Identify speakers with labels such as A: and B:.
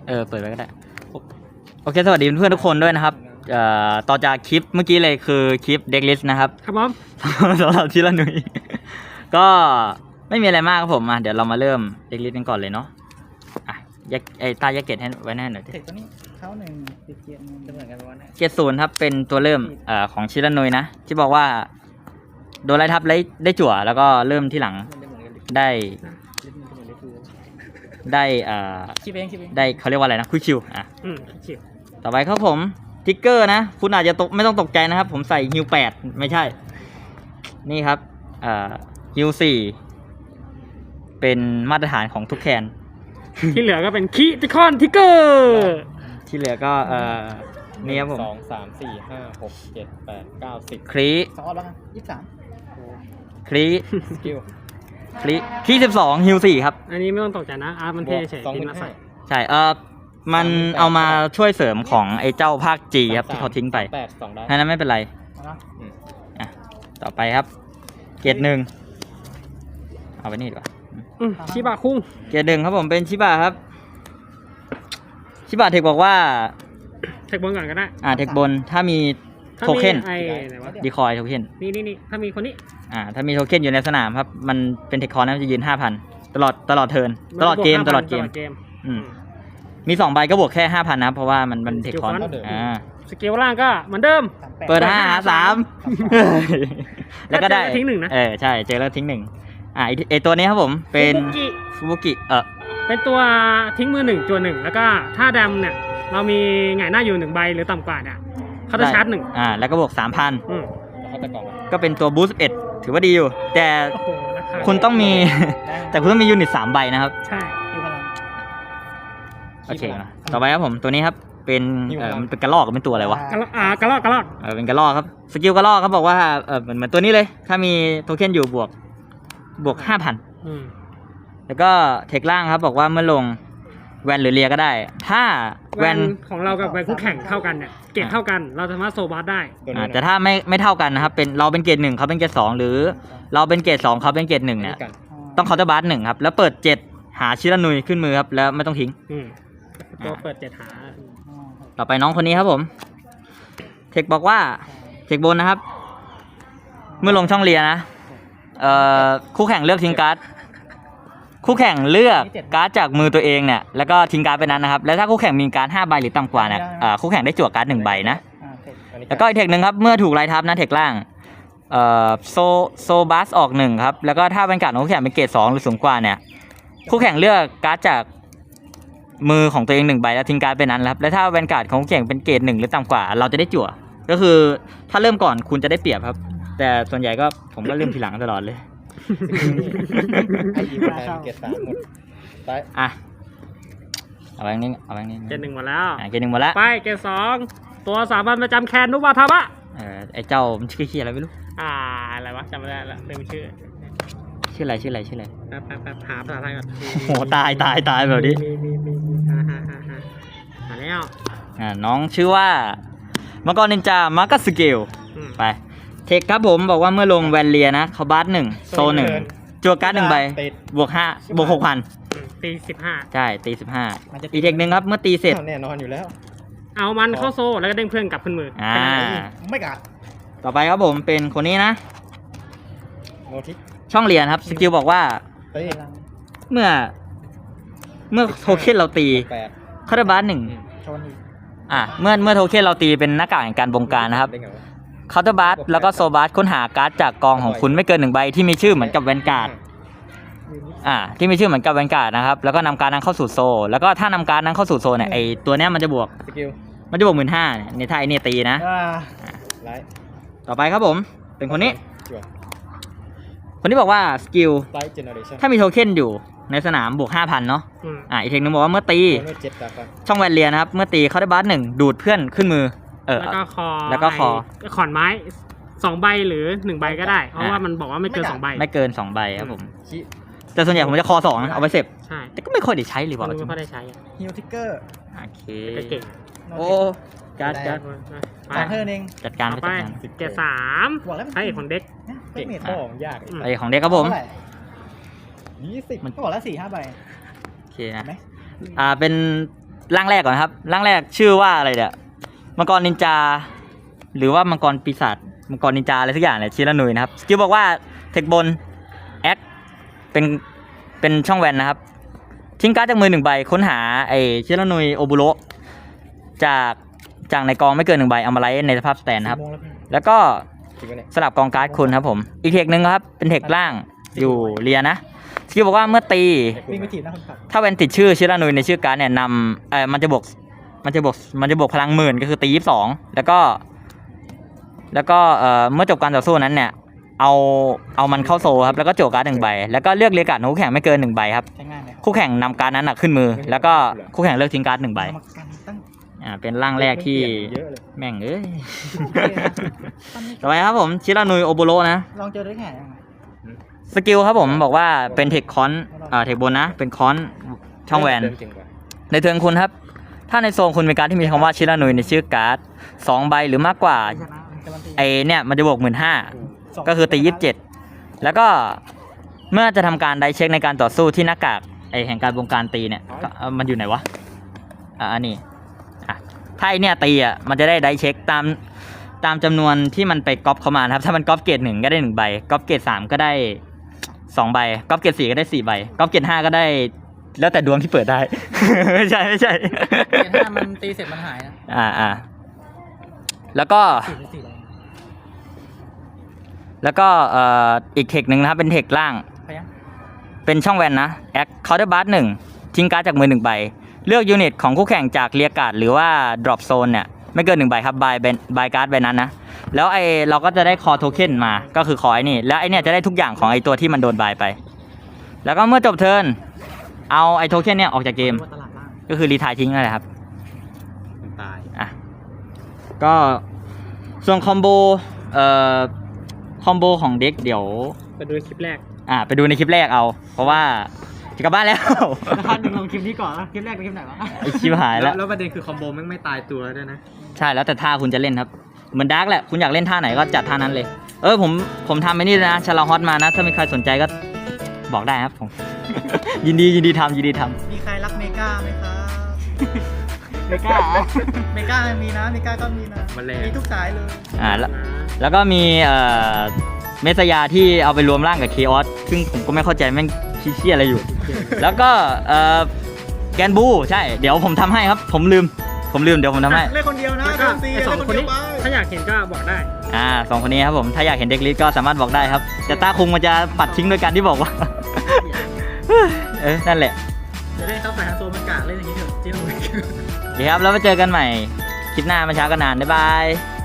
A: เปิดไว้ก็ได้โอเคสวัสดีเพื่อนๆทุกคนด้วยนะครับต่อจากคลิปเมื่อกี้เลยคือคลิปเด็กลิสต์นะครับ
B: ครับผม
A: สำหรับที่ละหนุ่ยก็ไม่มีอะไรมากครับผมเดี๋ยวเรามาเริ่มเด็กลิสต์กันก่อนเลยเนาะแยกตาแยกเกตให้ไว้แน่หน่อย
C: เทคตัวนี้เขาหนึ่งติดเกียร์จะเหมือนกันวันนี้
A: เกตศูนย์ครับเป็นตัวเริ่มของชิละหนุ่ยนะที่บอกว่าโดนไล่ทับได้จั่วแล้วก็เริ่มที่หลังได้เขาเรียกว่าอะไรนะคุยคิว
B: ชิว
A: ต่อไปครับผมทิกเกอร์นะคุณอาจจะไม่ต้องตกใจนะครับผมใส่ฮิว8ไม่ใช่นี่ครับฮิว4เป็นมาตรฐานของทุกแคน
B: ที่เหลือก็เป็นคิติคอนทิกเกอร์
A: ที่เหลือก็นี่ครับผม
D: 2 3 4 5 6 7 8 9 10
A: ครี
C: 2แล้วกัน23
A: ครี
D: สกิล
A: ครี12ฮิว4ครับ
B: อันนี้ไม่ต้องตกใจนะมันเท่เฉยๆมาใส่
A: ใช่มันเอามาช่วยเสริมของไอ้เจ้าภาค G ครับที่เขาทิ้งไป
D: 2
A: นั้นไม่เป็นไรต่อไปครับเกรด1เอาไปนี่ดีกว่า
B: ชิบะคุ้ง
A: เกรด1ครับผมเป็นชิบะครับชิบะเทคบอกว่า
B: เทคบนก่อนก็ได้
A: เทคบนถ้ามีโทเค็นดีคอยโทเค็น
B: นี่ถ้ามีคนนี้
A: ถ้ามีโทเค็นอยู่ในสนามครับมันเป็นเทคคอร์นะจะยืน 5,000 ตลอดเทิร์นตลอดเกมมี2ใบก็บวกแค่ 5,000 นะครับเพราะว่ามันเทคคอร์
B: สกิลล่างก็เหมือนเดิม
A: เปิด5 หา 3แล้วก็ได้
B: ทิ้ง1นะ
A: ใช่เจอแล้วทิ้ง1ไอตัวนี้ครับผมเป็นฟูบุกิ
B: เป็นตัวทิ้งมือ1ตัว1แล้วก็ถ้าดำเนี่ยเรามีหงายหน้าอยู่1ใบหรือต่ำกว่าเนี่ยเขาจะชาร์จ1
A: แล้วก็บวก 3,000ก็เป็นตัวบูสต์11ถือว่าดีอยู่แต่คุณต้องมียูนิต3ใบนะครับ
B: ใช่
A: โอเคนะต่อไปครับผมตัวนี้ครับเป็นมันเป็นกระรอกเป็นตัวอะไรวะ
B: กระรอก
A: เป็นกระรอกครับสกิลกระรอกเขาบอกว่าเหมือนตัวนี้เลยถ้ามีโทเค็นอยู่บวก 5,000แล้วก็เทคล่างครับบอกว่าเมื่อลงแวนหรือเลียก็ได้ถ้า
B: แวนของเรากับแวนคู่แข่งเท่ากันเนี่ยเกรดเท่ากันเราสามารถโซบัสได้
A: แต่ถ้าไม่เท่ากันนะครับเป็นเราเป็นเกรด1เขาเป็นเกรด2หรือเราเป็นเกรด2เขาเป็นเกรด1เนี่ยต้องเคาน์เตอร์บัส1ครับแล้วเปิด7หาชิรานุยขึ้นมือครับแล้วไม่ต้องทิ้ง
B: ตัวเปิด7หา
A: ต่อไปน้องคนนี้ครับผมเทคบอกว่าเทคบนนะครับเมื่อลงช่องเลียนะคู่แข่งเลือกทิ้งการ์ดคู่แข่งเลือกการ์ดจากมือตัวเองเนี่ยแล้วก็ทิ้งการ์ดไปนั้นนะครับแล้วถ้าคู่แข่งมีการ์ด5ใบหรือต่ำกว่าเนี่ยคู่แข่งได้จั่วการ์ด1ใบนะแล้วก็อีกเทคนึงครับเมื่อถูกไล่ทับนะเทคล่างโซบัสออก1ครับแล้วก็ถ้าเป็นการ์ดของคู่แข่งเป็นเกรด2หรือสูงกว่าเนี่ยคู่แข่งเลือกการ์ดจากมือของตัวเอง1ใบแล้วทิ้งการ์ดไปนั้นครับแล้วถ้าแวนการ์ดของคู่แข่งเป็นเกรด1หรือต่ำกว่าเราจะได้จั่วก็คือถ้าเริ่มก่อนคุณจะได้เปรียบครับแต่ส่วนใหญ่ก็ผมก็เริ่มทีหลังตลอดเลย
D: เกรด3หมดไป
A: เอาแบงค์นี้
B: เกรด1หมดแล้ว
A: เกรด1หมดแล้ว
B: ไปเกรด2ตัวสามัญประจำแคนนุบาทามะ
A: ไอ้เจ้ามันชื่ออะไรไม่รู้
B: อะไรวะจำไม่ได้ละลืมชื่อ
A: อะไร
B: แป๊บหาภาษาไทยก่อน
A: โหตายแบบนี้
B: มาแล้ว
A: น้องชื่อว่ามังกรนินจามาร์กัสเกลไปเทคครับผมบอกว่าเมื่อลงแวนเลียนะเขาบัส1โซ1จั่วการ์ด1ใบบวก 6,000
B: ตี15
A: ใช่ตี15อีกเทคนึงครับเมื่อตีเสร็จ
D: แน่นอนอยู่แล้ว
B: เอามันเข้าโซ่แล้วก็เด้งเพื่อนกลับขึ้นมือ
C: ไม่กัด
A: ต่อไปครับผมเป็นคนนี้นะ
D: โนทิ
A: ช่องเรียนครับสกิลบอกว่าเมื่อโทเค็นเราตีคาร์บัส1เมื่อโทเค็นเราตีเป็นหน้ากากแห่งการบงการนะครับคาร์บัสแล้วก็โซบัสค้นหาการ์ดจากกองของคุณไม่เกิน1ใบที่มีชื่อเหมือนกับแวนการ์ดที่มีชื่อเหมือนกับแวนการ์ดนะครับแล้วก็นำการ์ดนั้นเข้าสู่โซแล้วก็ถ้านำการ์ดนั้นเข้าสู่โซเนี่ยไอตัวเนี้ยมันจะบวก 15,000เนี่ยถ้าไอเนี่ยตีนะต่อไปครับผมเป็นคนนี้บอกว่าสกิลถ้ามีโทเค็นอยู่ในสนามบวก 5,000เนาะอีกเทคนึงบอกว่าเมื่อตีช่องแวนเลียนะครับเมื่อตีเขาได้บัส1ดูดเพื่อนขึ้นมือ
B: แล้วก็คอขอนไม้2ใบหรือ1ใบก็ได้เพราะว่ามันบอกว่าไม่เกิน2ใบ
A: ไม่เกิน2ใบครับผมแต่ส่วนใหญ่ผมจะคอ2เอาไปเสพ
B: ใช่
A: แต่ก็ไม่ค่อยได้ใช้หรือเปล่า
B: ไม่ค่อยได้ใช้
C: ฮิวทิกเกอร์
A: โอเค
B: เก่ง
A: โอ้การ
C: เธอเอง
A: จัดการ
B: ไปเกรด3ให้ของเด็ก
D: เก่งของยาก
A: ไอของเด็กครับผม
C: 20มันก็บอกแล้ว4-5ใบ
A: โอเคนะเป็นร่างแรกก่อนครับร่างแรกชื่อว่าอะไรเนี่ยมังกรนินจา หรือว่ามังกรปีศาจมังกรนินจาอะไรสักอย่างเนี่ยชิรานุยนะครับสกิลบอกว่าเทคบนแอคเป็นช่องแวนนะครับทิ้งการ์ดจากมือ1 ใบค้นหาไอชิรานุยโอบุโรจากในกองไม่เกิน1 ใบเอามาไลท์ในสภาพสแตนนะครับ
D: โมงแล้วพี่
A: แล้วก็
D: จริงปะเนี่ย
A: สลับกองการ์ดคุณครับผมอีกเทคนึงครับเป็นเทคล่างอยู่เรียนะสกิลบอกว่าเมื่อตี
C: วิ่งไปถีบหน้าคนขับ
A: ถ้าแวนติดชื่อชิรานุยในชื่อการ์ดเนี่ยนำมันจะบวกพลัง10,000ก็คือตี22แล้วก็เมื่อจบการต่อสู้นั้นเนี่ยเอามันเข้าโซลครับแล้วก็โจกการ์ด1 ใบแล้วก็เลือกเรียกการ์ดของคู่แข่งไม่เกิน1 ใบครับ
C: ใช้งานเลยครับ
A: คู่แข่งนำการ์ดนั้นขึ้นมือ แล้วก็คู่แข่งเลือกทิ้งการ์ด1 ใบ
C: กรรมการตั้ง
A: เป็นร่างแรกที่
D: เยอะเลย
A: แม่งเอ้ย
C: ตั้งไม่
A: ต่อไปครับผมชิรานุยโอโบโรนะ
C: ลองเจอได้ไงยังไง
A: สกิลครับผมบอกว่าเป็นเทคคอนเทคบนนะเป็นคอนช่องแวน
D: เดิเก่งกว่า
A: ในเทิร์นคุณครับถ้าในโซนคุณมีการดที่มีคำว่าชิรานุยในชื่อการ์ด2 ใบหรือมากกว่า
C: ชนะมันการันตี
A: ไอเนี่ยมันจะบวก15,000ก็คือตี27แล้วก็เมื่อจะทำการไดเช็คในการต่อสู้ที่หน้ากากไอแห่งการบงการตีเนี่ยก็มันอยู่ไหนวะอันนี้ถ้าไอเนี่ยตีมันจะได้ไดเช็คตามจำนวนที่มันไปก๊อปเข้ามานะครับถ้ามันก๊อปเกรด1ก็ได้1 ใบก๊อปเกรด3ก็ได้2 ใบก๊อปเกรด4ก็ได้4 ใบก๊อปเกรด5ก็ได้แล้วแต่ดวงที่เปิดได้ ไม่ใช่
C: เกมถ้ามันตีเสร็จมันหายนะ
A: แล้วก็
C: 4
A: แล้วก็อีกเทคหนึ่งนะครับเป็นเทคล่าง
C: พยัญ
A: เป็นช่องแวนนะแอคเคาน์เตอร์บาร์1ทิ้งการ์ดจากมือ1 ใบเลือกยูนิตของคู่แข่งจากเรียการ์ดหรือว่าดรอปโซนเนี่ยไม่เกิน1 ใบครับบายการ์ดใบนั้นนะแล้วเราก็จะได้คอโทเค็นมาก็คือคอไอ้นี่แล้วไอเนี่ยจะได้ทุกอย่างของไอตัวที่มันโดนบายไป แล้วก็เมื่อจบเทิร์นเอาไอโทเค็นเนี่ยออกจากเกม
C: ตลาดล่าง
A: ก็คือรีไทายทิ้งนั่นแหละครับ
D: มันตาย
A: ก็ส่วนคอมโบของเด็กเดี๋ยว
B: ไปดูคลิปแรก
A: ไปดูในคลิปแรกเอา เพราะว่าจะกลับบ้านแล้ว
C: ท่านหนึ่งลงคลิปนี้ก่อนนะคลิปแรกเป็นคลิปไหนวะ
A: ไอชิบหายแล้ว
D: แล้วประเด็นคือคอมโบแม่งไม่ตายตัวด้วยนะ
A: ใช่แล้วแต่ท่าคุณจะเล่นครับเหมือนดาร์กแหละคุณอยากเล่นท่าไหนก็จัดท่านั้นเลยผมทำไปนี่เลยนะชาลาฮอตมานะถ้ามีใครสนใจก็บอกได้ครับผม ยินดีทำ
C: มีใครรักเมกาไหมครับ
A: ไม่กล้า
C: เมกามีนะเมกาก็มีนะ
D: มันแรง
C: มีทุกสายเลย
A: แล้วก็มีเมสยาที่เอาไปรวมร่างกับเคออสซึ่งผมก็ไม่เข้าใจแม่งชี้เชี่ยอะไรอยู่ แล้วก็แกนบูใช่เดี๋ยวผมทำให้ครับผมลืมเดี๋ยวผมทำให้
C: เล่นคนเดียวนะ
B: แล้วก็
C: ซี
B: ไอ้สอง
C: เล่น
B: คน
C: เดี
B: นี้
C: ยวไป
B: ถ้าอยากเห็นก็บอกได้
A: สองคนนี้ครับผมถ้าอยากเห็นเด็กลิสก็สามารถบอกได้ครับแต่ตาคุงมันจะปัดทิ้งโดยการที่บอกว่า นั่นแหละ
C: จะเล่นเข้าสายฮันโซมันกากเล่นอย่างนี้เถอะจริง
A: โอเคครับแล้วมาเจอกันใหม่คลิปหน้ามาช้ากันนานบ๊ายบาย